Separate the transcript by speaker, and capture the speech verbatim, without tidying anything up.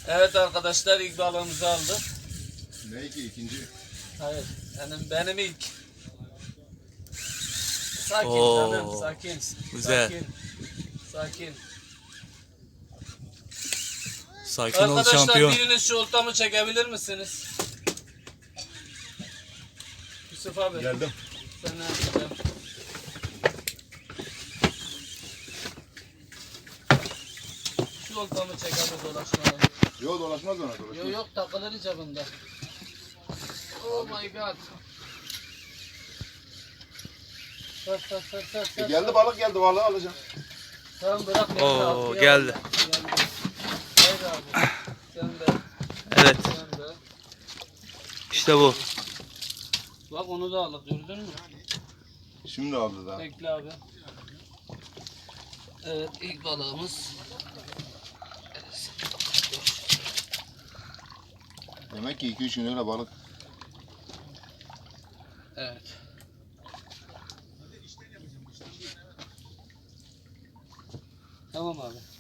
Speaker 1: Evet arkadaşlar, ilk balığımızı aldık.
Speaker 2: Ne ki ikinci?
Speaker 1: Hayır, benim, benim ilk. Sakin
Speaker 3: Oo,
Speaker 1: canım, sakin.
Speaker 3: güzel.
Speaker 1: Sakin. Sakin.
Speaker 3: Sakin ol
Speaker 1: Arkadaşlar
Speaker 3: şampiyon.
Speaker 1: biriniz şu oltamı çekebilir misiniz? Yusuf abi.
Speaker 2: Geldim.
Speaker 1: Sen ne yapacaksın? Şu oltamı çek abi, dolaşmadan.
Speaker 2: Yok dolaşmaz ona dolaşmaz.
Speaker 1: Yok yok, takılır icabında. Oh my god. Sar sar sar sar
Speaker 2: E,
Speaker 1: sar.
Speaker 2: geldi balık geldi balığı alacağım.
Speaker 1: Tamam bırak beni.
Speaker 3: Oo,
Speaker 1: abi,
Speaker 3: geldi.
Speaker 1: Geldi. Haydi abi. Sen de.
Speaker 3: Evet,
Speaker 1: Sen de.
Speaker 3: işte bu.
Speaker 1: Bak onu da aldık, gördün mü?
Speaker 2: Şimdi aldı daha.
Speaker 1: Bekle abi. Evet, ilk balığımız.
Speaker 2: Demek ki iki üç gün öyle balık.
Speaker 1: Evet. Tamam abi.